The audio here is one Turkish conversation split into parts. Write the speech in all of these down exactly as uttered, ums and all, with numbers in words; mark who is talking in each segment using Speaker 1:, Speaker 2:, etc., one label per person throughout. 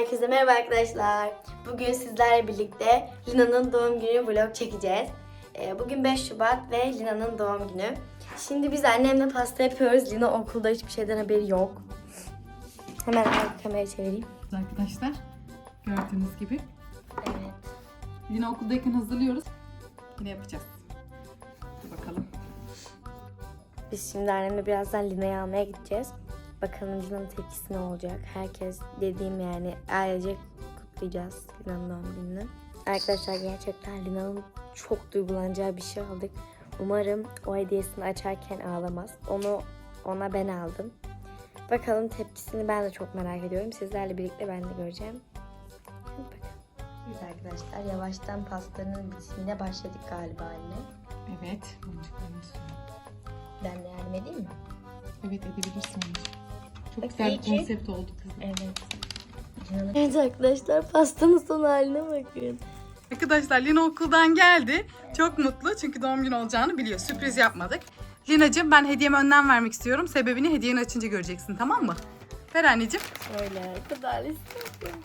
Speaker 1: Herkese merhaba arkadaşlar. Bugün sizlerle birlikte Lina'nın doğum günü vlog çekeceğiz. Bugün beş Şubat ve Lina'nın doğum günü. Şimdi biz annemle pasta yapıyoruz. Lina okulda hiçbir şeyden haberi yok. Hemen arka kamerayı çevireyim.
Speaker 2: Arkadaşlar gördüğünüz gibi.
Speaker 1: Evet.
Speaker 2: Lina okuldayken hazırlıyoruz. Yine yapacağız. Hadi bakalım.
Speaker 1: Biz şimdi annemle birazdan Lina'yı almaya gideceğiz. Bakalım Lina'nın tepkisi ne olacak. Herkes dediğim yani ailece kutlayacağız Lina'nın doğum gününü. Arkadaşlar gerçekten Lina'nın çok duygulanacağı bir şey aldık. Umarım o hediyesini açarken ağlamaz. Onu ona ben aldım. Bakalım tepkisini ben de çok merak ediyorum. Sizlerle birlikte ben de göreceğim. Hadi bakalım. Biz arkadaşlar yavaştan pastanın bitimine başladık galiba anne.
Speaker 2: Evet.
Speaker 1: Ben de yardım edeyim mi?
Speaker 2: Evet edebilirsin. Çok
Speaker 1: Bak,
Speaker 2: güzel bir
Speaker 1: iyi ki-
Speaker 2: konsept oldu kızım.
Speaker 1: Evet. Evet arkadaşlar pastanın son haline bakın.
Speaker 2: Arkadaşlar Lina okuldan geldi. Çok mutlu çünkü doğum günü olacağını biliyor. Sürpriz yapmadık. Lina'cığım ben hediyemi önden vermek istiyorum. Sebebini hediyeni açınca göreceksin, tamam mı? Ver anneciğim.
Speaker 1: Öyle kadar istedim.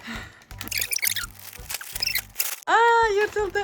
Speaker 2: Aa yırtıldı.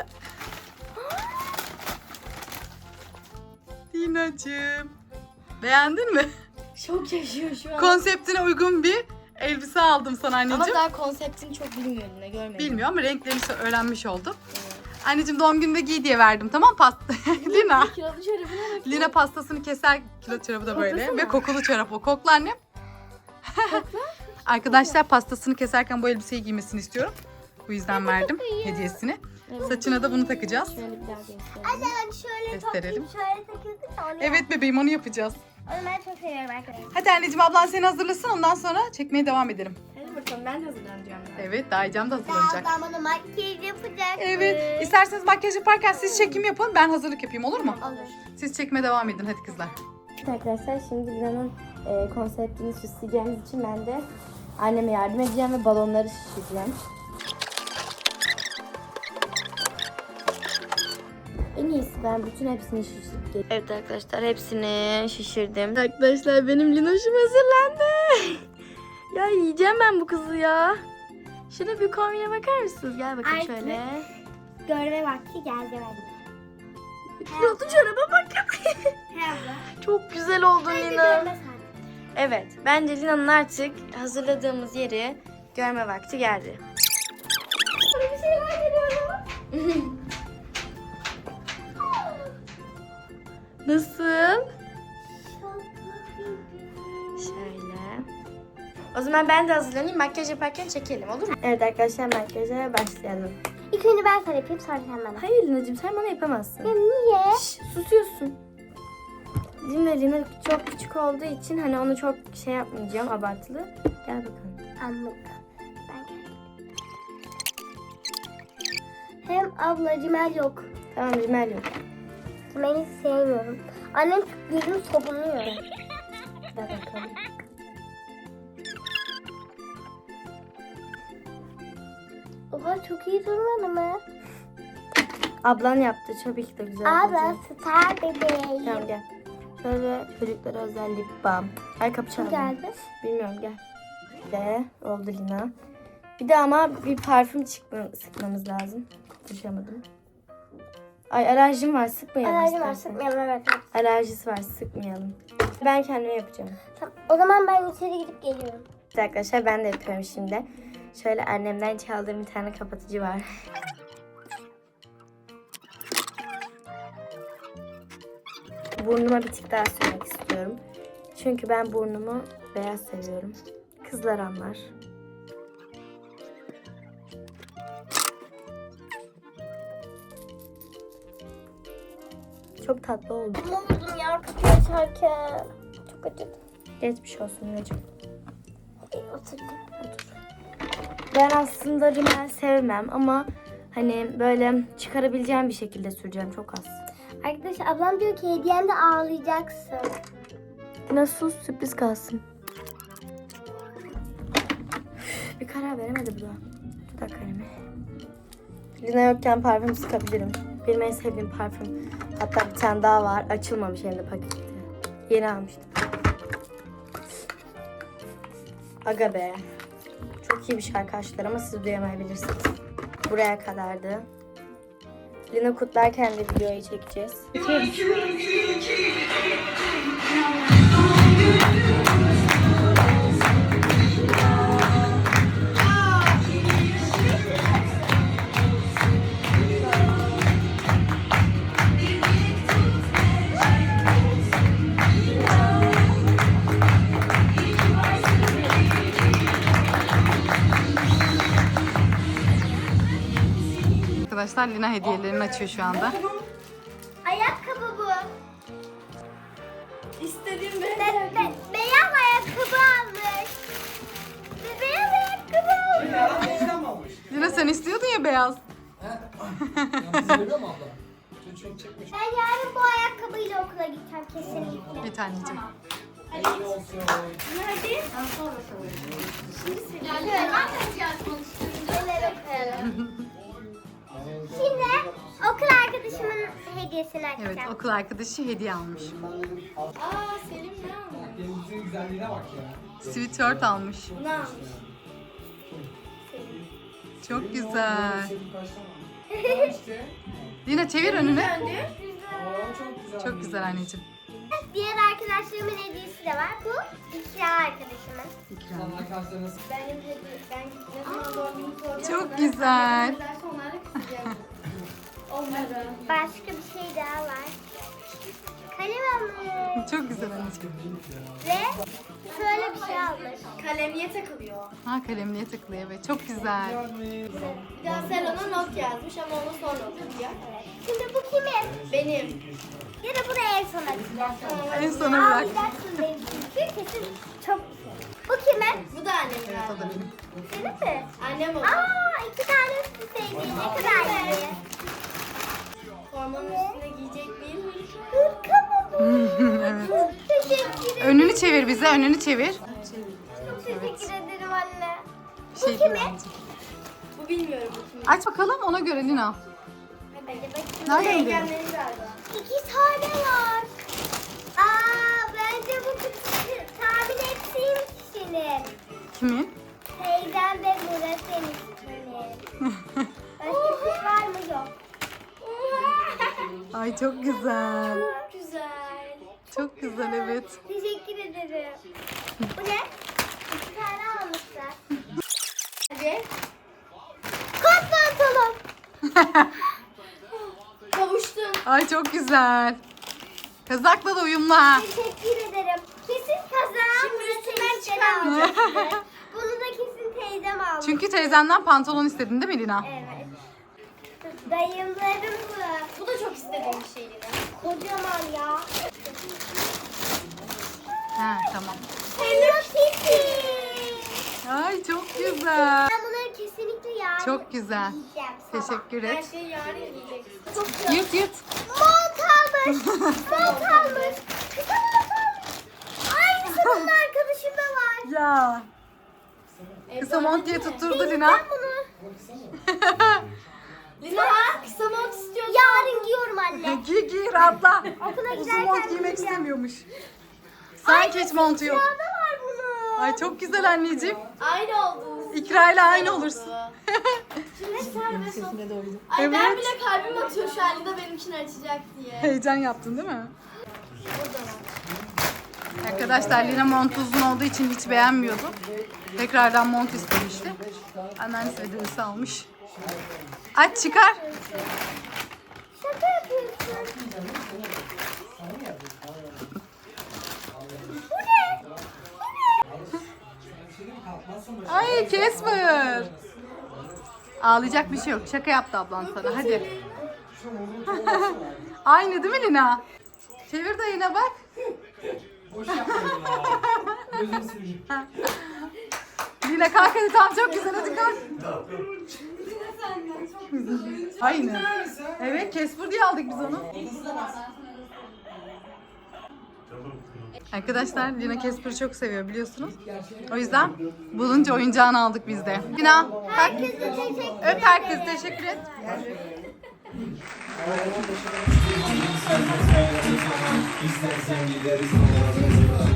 Speaker 2: Lina'cığım. Beğendin mi?
Speaker 1: Çok yaşıyor şu an.
Speaker 2: Konseptine uygun bir elbise aldım sana anneciğim.
Speaker 1: Ama daha konseptini çok bilmiyorum ne görmedim.
Speaker 2: Bilmiyor ama renklerini öğrenmiş oldum.
Speaker 1: Evet.
Speaker 2: Anneciğim doğum gününde giy diye verdim, tamam pasta. Lina.
Speaker 1: Kilolu çorabına bak.
Speaker 2: Lina pastasını keser, kilo çorabı da böyle.
Speaker 1: Koklasana.
Speaker 2: Ve kokulu çorap o. Kokla annem. Arkadaşlar pastasını keserken bu elbiseyi giymesini istiyorum. Bu yüzden verdim hediyesini.
Speaker 1: Evet.
Speaker 2: Saçına da bunu takacağız.
Speaker 1: Şöyle bir daha göstereyim.
Speaker 3: Ben şöyle
Speaker 2: Gösterelim.
Speaker 3: toplayıp şöyle takıldık da onu
Speaker 2: Evet bebeğim, onu yapacağız.
Speaker 3: Onu ben çok seviyorum arkadaşlar.
Speaker 2: Hadi anneciğim, ablan seni hazırlasın, ondan sonra çekmeye devam edelim.
Speaker 1: Hadi bakalım ben de hazırlanacağım. Ben.
Speaker 2: Evet, Dayıcam da hazırlanacak.
Speaker 3: Ben bana makyaj yapacak.
Speaker 2: Evet, isterseniz makyaj yaparken siz çekim yapın, ben hazırlık yapayım, olur mu?
Speaker 1: Olur.
Speaker 2: Siz çekmeye devam edin hadi kızlar.
Speaker 1: Evet arkadaşlar şimdi Lina'nın e, konseptini süsleyeceğimiz için ben de anneme yardım edeceğim ve balonları şişireceğim. En iyisi ben bütün hepsini şişirip geleyim. Evet arkadaşlar hepsini şişirdim. Arkadaşlar benim Linoş'um hazırlandı. Ya yiyeceğim ben bu kızı ya. Şuna bir kombine bakar mısınız? Gel bakın
Speaker 3: Artık
Speaker 1: şöyle.
Speaker 3: Görme vakti geldi bence.
Speaker 1: Kilolu çoraba bakın.
Speaker 3: He abla.
Speaker 1: Çok güzel oldun
Speaker 3: Bence
Speaker 1: Lina.
Speaker 3: görme saati.
Speaker 1: Evet, bence Lina'nın artık hazırladığımız yeri görme vakti geldi.
Speaker 3: Sana bir şey merak ediyorum.
Speaker 1: Nasıl? Şöyle. O zaman ben de hazırlanayım, makyaj yaparken çekelim, olur mu? Evet arkadaşlar, makyaja başlayalım.
Speaker 3: İlk önce ben sana yapayım sonra sen bana.
Speaker 1: Hayır Lina'cığım, sen bana yapamazsın.
Speaker 3: Ya niye?
Speaker 1: Şş, susuyorsun. Şimdi Lina çok küçük olduğu için hani onu çok şey yapmayacağım, abartılı. Gel bakalım.
Speaker 3: Anladım. Ben geldim. Hem abla Cimel yok.
Speaker 1: Tamam, rimel yok.
Speaker 3: Cimel'i sevmiyorum. Annem gözümü sobunuyor.
Speaker 1: Gel bakalım.
Speaker 3: Oha çok iyi durmadı mı?
Speaker 1: Ablan yaptı, tabii ki de güzel
Speaker 3: Abla
Speaker 1: olacak.
Speaker 3: star bebeğim.
Speaker 1: Tamam gel. Şöyle çocuklara özel lip balm. Ay kapı
Speaker 3: Kim
Speaker 1: çaldı.
Speaker 3: geldi?
Speaker 1: Bilmiyorum gel. De oldu Lina. Bir de ama bir parfüm çıkma, sıkmamız lazım. Konuşamadım. Ay alerjim var, sıkmayalım
Speaker 3: Alerjim var
Speaker 1: istersen.
Speaker 3: sıkmayalım evet.
Speaker 1: Alerjisi var, sıkmayalım. Ben kendime yapacağım.
Speaker 3: Tamam, o zaman ben içeri gidip geliyorum.
Speaker 1: İşte arkadaşlar ben de yapıyorum şimdi. Şöyle annemden çaldığım bir tane kapatıcı var. Burnuma bir tık daha sürmek istiyorum. Çünkü ben burnumu beyaz seviyorum. Kızlar anlar. Çok tatlı oldu.
Speaker 3: Ne oldum ya kapıyı açarken. Çok acıdı.
Speaker 1: Geçmiş olsun Necim.
Speaker 3: Hadi oturdum.
Speaker 1: Ben aslında rimel sevmem ama hani böyle çıkarabileceğim bir şekilde süreceğim, çok az.
Speaker 3: Arkadaşlar ablam diyor ki hediyende ağlayacaksın.
Speaker 1: Nasıl sürpriz kalsın. Bir karar veremedi bu da. Dudak kalemi. Lina yokken parfüm sıkabilirim. Benim en sevdiğim parfüm. Hatta bir tane daha var. Açılmamış hem de paketi. Yeni almıştım. Aga be. Çok iyi bir şey arkadaşlar ama siz duyamayabilirsiniz. Buraya kadardı. Lina kutlarken de videoyu çekeceğiz.
Speaker 2: Arkadaşlar Lina hediyelerini açıyor şu anda.
Speaker 3: Ayakkabı bu. İstediğim be, be, beyaz ayakkabı almış. Be- Beyaz ayakkabı almış.
Speaker 2: Lina sen istiyordun ya beyaz.
Speaker 4: Seviyor mu abla? Çok çekmiş.
Speaker 3: Ben yarın bu ayakkabıyla okula gideceğim kesinlikle.
Speaker 2: Bir taneciğim.
Speaker 4: Hayırlı olsun.
Speaker 3: Hadi. Şimdi neler okuyalım. Şimdi okul arkadaşımın hediyesini açacağım.
Speaker 2: Evet, okul arkadaşı hediye almış.
Speaker 3: Aa Selim ne almış?
Speaker 4: Denizin güzelliğine bak ya.
Speaker 2: Sweatshirt almış.
Speaker 3: Ne almış?
Speaker 2: Çok güzel.
Speaker 4: Senin kaç tane? İşte.
Speaker 2: Lina çevir önünü.
Speaker 4: Oo, çok güzel.
Speaker 2: Çok güzel anneciğim.
Speaker 3: Diğer arkadaşlarımın hediyesi de var. Bu iki arkadaşımın.
Speaker 2: İkram.
Speaker 4: Sana arkadaşlarınız
Speaker 3: Benim hediye, ben ne zaman doğum günü soracağım.
Speaker 2: Çok güzel.
Speaker 3: Onlara kısacağım. Onlara. Başka bir şey daha var. Kalem almış.
Speaker 2: Çok güzel anneciğim.
Speaker 3: Ve şöyle bir şey almış. Kalemliğe takılıyor.
Speaker 2: Ha kalemliğe tıklıyor evet. Çok güzel.
Speaker 3: Bir daha Selon'a not yazmış ama onu sonra okuyacak. Şimdi bu kimin? Benim. Ya da bunu en son açacağım.
Speaker 2: En sona bırak.
Speaker 3: Ağlayacaksın benim çünkü kesin çok Bu kimin? Bu da annemin.
Speaker 2: Evet o da benim.
Speaker 3: Senin mi? Annem o. Aa iki tane üst üsteydi. Ne kadar iyi. Formanın üstüne giyecek bir hırka mı bu?
Speaker 2: Evet.
Speaker 3: Teşekkür ederim.
Speaker 2: Önünü çevir bize. Önünü çevir.
Speaker 3: Çok teşekkür ederim anne.
Speaker 2: Bir şey
Speaker 3: Bu kimin?
Speaker 2: değil anneciğim.
Speaker 3: Bu bilmiyorum bu kimin.
Speaker 2: Aç bakalım ona göre Lina.
Speaker 3: Hadi bakayım.
Speaker 2: Nereden biliyorsun?
Speaker 3: Engelleri galiba. İki tane var. Aa bence bu kız- tahmin ettiğim kişinin.
Speaker 2: Kimin?
Speaker 3: Teyzem ve Murat senin. Başka bir şey var mı? Yok.
Speaker 2: Ay çok güzel.
Speaker 3: Çok güzel.
Speaker 2: Çok güzel evet.
Speaker 3: Teşekkür ederim. Bu ne? İki tane almışlar. Hadi. Kot pantolon. Kavuştum.
Speaker 2: Ay çok güzel. Kazakla da uyumlu ha.
Speaker 3: Teşekkür ederim. Kesin kazağım. Şimdi üstünden çıkarmayacak. Bunu da kesin teyzem almış.
Speaker 2: Çünkü teyzenden pantolon istedin değil mi Lina?
Speaker 3: Evet. Dayımların bu. Bu da çok istediğim bir şeydi. Kocaman ya.
Speaker 2: Ha tamam.
Speaker 3: Hello Kitty.
Speaker 2: Ay çok güzel.
Speaker 3: Ben bunları kesinlikle yarın
Speaker 2: Çok güzel.
Speaker 3: yiyeceğim sabah.
Speaker 2: Teşekkür et.
Speaker 3: Her şeyi yarın yiyeceksin. Çok güzel.
Speaker 2: Yut yut.
Speaker 3: Mont almış. Mont almış. Kısa mont almış. Aynısı bunun arkadaşımda var.
Speaker 2: Ya. Kısa mont diye tutturdu Lina.
Speaker 3: Ben bunu. Lina kısa mont istiyorsun. Yarın giyiyorum anne.
Speaker 2: Giy giy rahatla.
Speaker 3: Okula
Speaker 2: Uzun
Speaker 3: giderken
Speaker 2: mont giymek
Speaker 3: giyeceğim.
Speaker 2: istemiyormuş. Sanki hiç montu yok.
Speaker 3: Sırada var bunun.
Speaker 2: Ay çok güzel anneciğim.
Speaker 3: Aynı oldunuz.
Speaker 2: İkra ile aynı olursun.
Speaker 3: Şimdi serbest ol.
Speaker 2: Ay,
Speaker 3: Ay ben
Speaker 2: Evet.
Speaker 3: bile kalbim atıyor şu an Lina benim için açacak diye.
Speaker 2: Heyecan yaptın değil mi? Arkadaşlar Lina mont uzun olduğu için hiç beğenmiyordu. Tekrardan mont istemişti. Anneannesi ve dedesi almış. Aç çıkar.
Speaker 3: Şaka yapıyorsun.
Speaker 2: Ay Casper. Ağlayacak bir şey yok. Şaka yaptı ablan sana. Hadi. Aynı değil mi Lina? Çevir dayına bak.
Speaker 4: boş yapmayın ya. Gözüm seveyim.
Speaker 2: Lina kalk hadi tamam çok güzel hadi kalk. Aynı. Evet Casper diye aldık biz onu. Arkadaşlar Lina Casper'ı çok seviyor biliyorsunuz. O yüzden bulunca oyuncağını aldık biz de. Lina
Speaker 3: Herkese teşekkür
Speaker 2: öp herkes teşekkür et.
Speaker 4: İstersen gideriz.